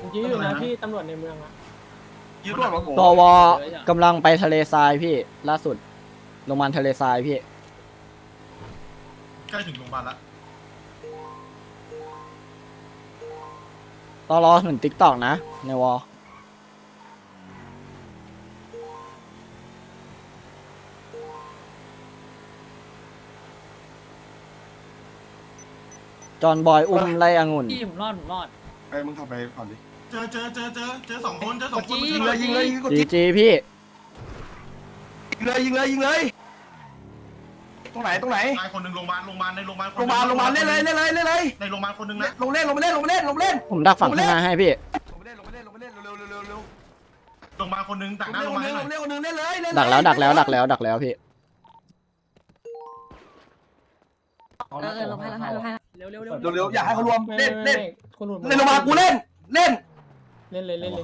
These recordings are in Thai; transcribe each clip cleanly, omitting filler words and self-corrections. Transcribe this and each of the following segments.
ยื้ออยู่นะพี่ตำรวจในเมืองอะยืดรวดของผมตวกำลังไปทะเลทรายพี่ล่าสุดโรงพยาบาลทะเลทรายพี่ใกล้ถึงโรงพยาบาลแล้วตอรอถึงติ๊กตอกนะในวอลจอนบอยอุ้มไล่องุ่นพี่ผมรอดไปมึงขับไปก่อนดิเจอสองคนยิงเลยยิงเลยยิงกดจียิงจีพี่เลยยิงเลยยิงเลยตรงไหนตรงไหนตายคนหนึ่งโรงพยาบาลในโรงพยาบาลโรงพยาบาลโรงพยาบาลเล่นเลยเล่นเลยเล่นเลยในโรงพยาบาลคนหนึ่งนะลงเล่นลงเล่นลงเล่นลงเล่นผมดักฝั่งข้างหน้าให้พี่ลงเล่นลงเล่นลงเล่นเร็วเร็วเร็วเร็วโรงพยาบาลคนหนึ่งต่างหน้าลโรงงพยาบาลเล่นลงเล่นคนนึงเล่นเลยเล่นดักแล้วพี่ลงให้เร็วเร็วอยากให้เขารวมเล่นเล่นคุณหนุ่มเล่นลงมากูเล่นเล่นเล่นเลย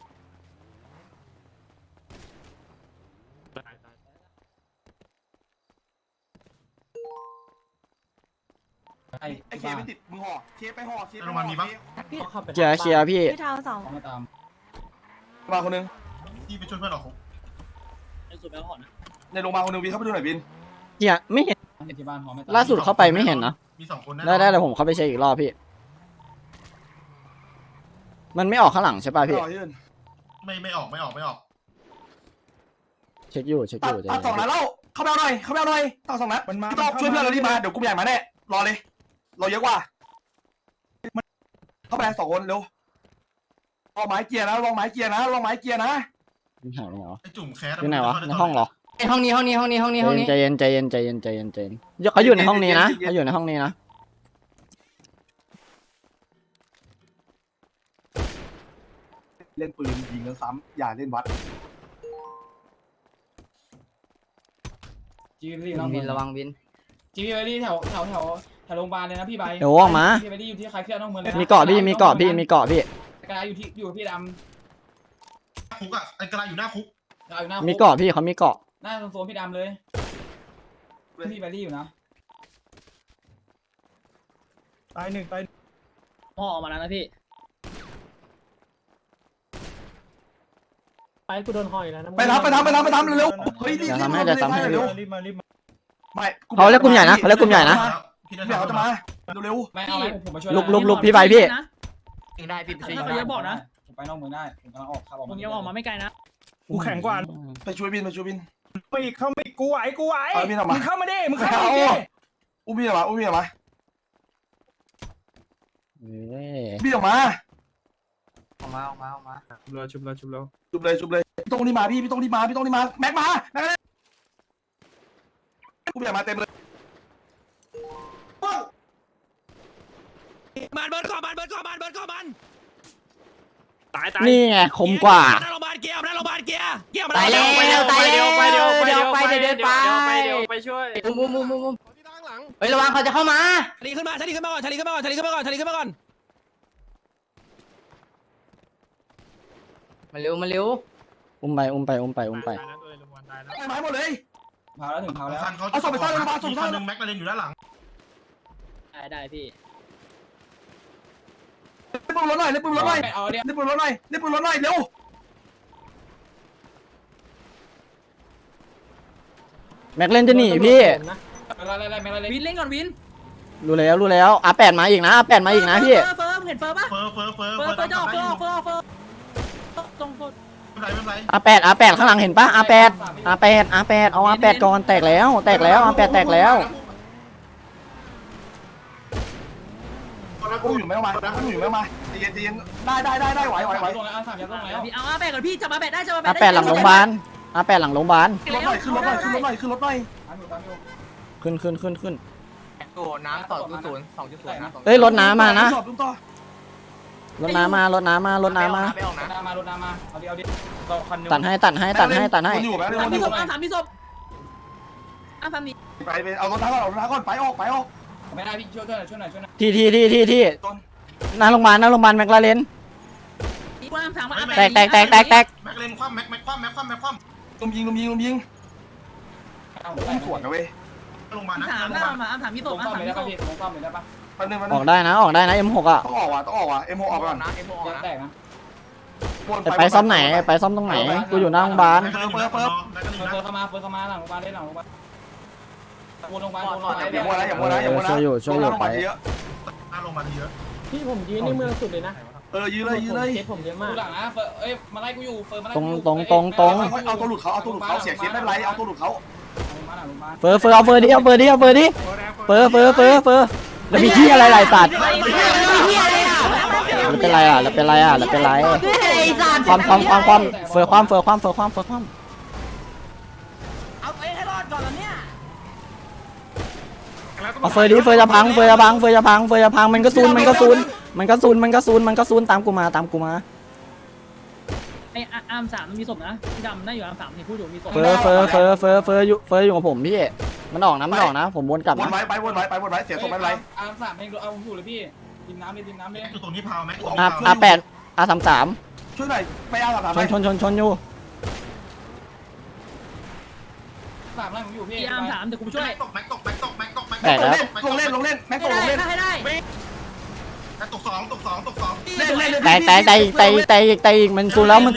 ไอ้เคไม่ติดมึงห่อเคไปห่อเคในโรงพยาบาลมีปะเคลียร์พี่พี่เท้าสองมาคนนึงที่ไปช่วยเพื่อนออกคุกในโรงพยาบาลคนนึงวินเข้าไปดูหน่อยวินเคลียร์ไม่เห็นล่าสุดเข้าไปไม่เห็นนะมีสองคนได้เดี๋ยวผมเข้าไปเช็คอีกรอบพี่ มันไม่ออกข้างหลังใช่ป่ะพี่ไม่ออกเช็คอยู่ตัดสองนัดแล้วเข้าไปเอาหน่อยตัดสองนัดมันมาช่วยเพื่อนเรารีบมาเดี๋ยวกูใหญ่มาแน่รอเลยรอเยอะกว่าเข้าไปสองคนเร็วลองไม้เกียร์นะลองไม้เกียร์นะลองไม้เกียร์นะไม่หายเหรอไอ้จุ่มแคสอยู่ไหนวะในห้องเหรอห้องนี้ใจเย็นเขาอยู่ในห้องนี้นะเขาอยู่ในห้องนี้นะเล่นปืนยิงกันซ้ำอย่าเล่นวัดวินระวังวินจีบีไปที่แถวโรงพยาบาลเลยนะพี่ใบเดี๋ยวออกมาจีบีไปที่อยู่ที่ใครเครียดนอกเมืองเลยมีเกาะพี่กระดาษอยู่พี่ดคุกอ่ะไอ้กระไรอยู่หน้าคุกำอยู่หน้ามีเกาะพี่เขามีเกาะหน้าโซนพี่ดำเลยพี่ใบที่อยู่นะตายหนึ่งตายพ่อออกมาแล้วนะพี่ไปกูโดนหอยแล้วนะไปทำเร็วเฮ้ยเร็วรีบมาไม่เขาเรียกกลุ่มใหญ่นะพี่เดี๋ยวได้เขาจะมาเร็วไม่เอาผมมาช่วยลุกพี่ไปพี่ยิงได้พี่ไปช่วยถ้ายิงเขาได้เยอะบอกนะผมไปนอกเมืองได้ผมกำลังออกครับผมยังออกมาไม่ไกลนะกูแข็งกว่าไปช่วยบินไม่เข้าไม่กูไหวเอาพี่ทำมามึงเข้ามาดิมึงเข้ามาดิอุ้มพี่ออกมา พี่ออกมาออกมาชุบแล้วจุบเลยพี่ต้องรีบมาพี่ต้องรีบมาแม็กมากูอยากมาเต็มเลยมันเบิร์ดก่อนมันตายนี่ไงคมกว่าหน้าโรงพยาบาลเกียร์มาตายแล้วเดินไปไปช่วยมุมเฮ้ยระวังเขาจะเข้ามาชาลีขึ้นมาก่อนมาเร็วอุ้มไปไม้หมดเลยพาแล้วถึงพาแล้วเขาคนหนึ่งแม็กมาเล่นอยู่ด้านหลังได้พี่เล่นปืนรถหน่อยเร็วแม็กเล่นจะหนีพี่วินเล่นก่อนวินรู้แล้วR8มาอีกนะพี่เฟิร์มเห็นเฟิร์มปะเฟอร์เฟิร์จะออกเฟิร์ตรงโคตรไม่เป็นไร R8 ข้างหลังเห็นปะR8 เอาR8ก่อนแตกแล้วR8 แตกแล้วกูอยู่ไม่มาเย็นได้ไหวตรงแล้วสามยัดตรงแล้วพี่เอาอาแปดก่อนพี่จับอาแปดได้จับอาแปด R8 หลังโรงพยาบาลขึ้นรถหน่อยขึ้นรถหน่อยขึ้นโอ้น้ำ2.0 2.0นะเอ้ยรถน้ำมานะต่อรถน้ำมาไปออกนะรถน้ำมาเอาดิตัดให้อยู่ไหมสามพี่ศพสามพี่ศพสามนี้ไปเอารถท้าก่อนไปออกไม่ได้พี่ช่วยหน่อยที่หน้าโรงพยาบาลแมคลาเรน แตกแม็กเล่นคว่ำแม็กคว่ำลุมยิงสวนนะเว้ยลงมานะถามพี่ศพซ่อมเลยได้ปะพี่ซ่อมเลยได้ปะออกได้นะออกได้นะ M6 อ่ะต้องออกว่ะM6 ออกก่อนนะเอ็มโอนะแตกนะไปซ่อมไหนไปซ่อมตรงไหนกูอยู่หน้าโรงพยาบาลแม็กกาเลนอยู่หน้าสอนอแม็กกาเลนอยู่หเฟิน้าร์เข้ามาเฟิร์เข้ามาหลังโรงพยาบาลได้หลังโรงพยาบาลวนโรงพยาบาลวนโรงพยาบาลอย่ามัวนะอย่ามัวนะอย่ามัวนะช่วยอยู่ไปเยอะหน้าโรงพยาบาลเยอะพี่ผมยืนในเมืองสุดเลยนะยืนเลยเคสผมเยอะมากหลังนะเฟิร์เอ้ยมาไล่กูอยู่เฟิร์มาไล่ตรงเอาตัวหลุดเขาเสียเคสไม่เป็นไรเอาตัวหลุดเขามาหลังโรงพยาบาลเฟอร์เอาเฟอร์ดิเฟอร์แล้วมีที่อะไรหลายตัดแล้วเป็นไรแล้วเป็นไรความเฟอร์ความเอาไปให้รอดก่อนแล้วเนี่ยเอาเฟอร์ดิเฟอร์จะพังมันก็ซูนตามกูมาไอ้อาร์ม3มันมีศพนะดำน่าอยู่อาร์ม3ที่พูดอยู่มีศพเฟอร์อยู่กับผมพี่มันออกนะผมวนกลับวนนะไว้เสียตัวไม่เป็นไรอาร์ม3เองเอาอยู่เลยพี่ดิมน้ำเลยแม็กอยู่ตรงที่พาวแม็กตรงที่พาว R8 R33 ช่วยหน่อยไปเอาหลังชนอยู่ 3ไล่ผมอยู่พี่อาร์ม3เดี๋ยวกูช่วยแม็กตกแตกแล้วลงเล่นแม็กตกลงเล่นให้ได้แม็กตก2 แตกอีกมันซูนแล้วลง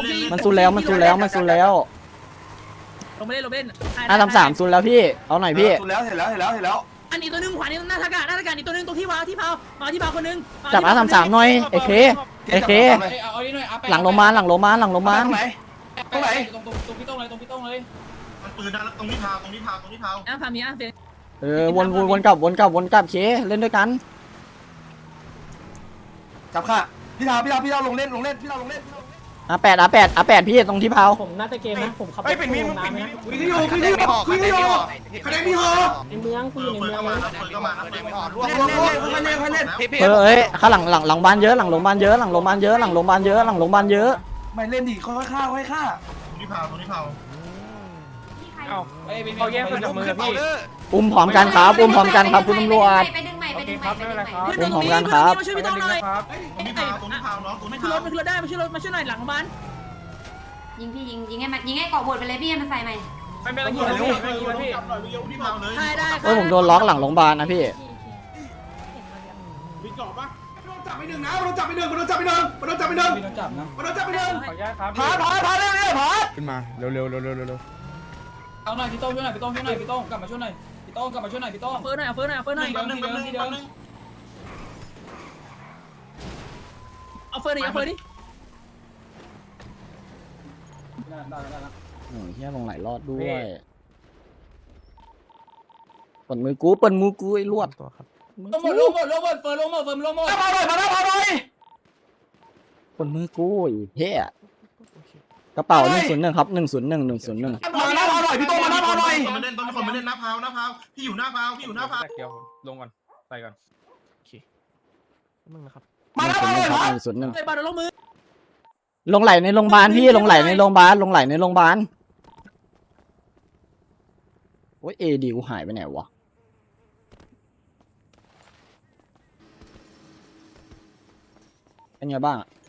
ไม่เล่นR33ซูนแล้วพี่เอาหน่อยพี่สุดแล้วเห็นแล้วอันนี้ตัวนึงขวานี้หน้าทากาอีกตัวนึงตรงที่วางที่เผามาที่เผาคนนึงจับR33หน่อยไอ้เคเอาดิหน่อยหลังโรงพยาบาลตรงไหนตรงพี่ต้องเลยมันปืนนะตรงที่พาวอาร์ม3มีอาร์มเฟวนกลับเคเล่นด้วยกันจับค่ะพี่ดาวลงเล่นพี่ดาวลงเล่น R8 พี่ตรงที่เผาผมน่าจะเกมนะผมขับเป็นมีน้ำนะคะแนนพี่หอในเมืองกูอยู่ในเมืองเปิดเข้ามานะเอ้ยข้างหลังบ้านเยอะหลังโรงพยาบาลเยอะไม่เล่นดิค่อยฆ่าตรงที่พาวเขาแยกคนจากมือพี่อุ้มพร้อมกันครับคุณตำรวจไปดึงใหม่มาช่วยพี่ต้องหน่อยตรงที่พาวน้องตรงมาที่ขึ้นพาร วถได้มาช่วยหน่อยหลังบ้านยิงให้เกาะบดไปเลยพี่มันใส่ใหม่ไม่เป็นไรยิงเลยพี่ตรงที่พาวเลยได้ผมโดนล็อกหลังโรงพยาบาลนะพี่จับไปหนึ่งมันโดนจับไปหนึ่งพี่ต้องจับนะพาเร็วขึ้นมาเร็วเอาหน่อยพี่ต้องช่วยหน่อยพี่ต้องกลับมาช่วยหน่อยพี่ต้องเฟิร์หน่อยแป๊บนึงเอาเฟิร์ดิโอ้ยเฮียลงไหลรอดด้วยปนมือกูไอ้ลวดลงหมดเฟิร์ลงหมดมาหน่อยปนมือกูไอ้เฮียกระเป๋า101ครับ101 มาหน่อยพี่โตมาหน่อยคนมาเล่นหน้าพาวพี่อยู่หน้าพาวๆเดี๋ยวลงก่อนใส่ก่อนโอเคมึงนะครับมาหน่อยครับ 101 ไอ้บาร์ลงมือลงไหลในโรงพยาบาลพี่ลงไหลในโรงพยาบาลโอ้ยดีกูหายไปไหนวะเป็นไงบ้าง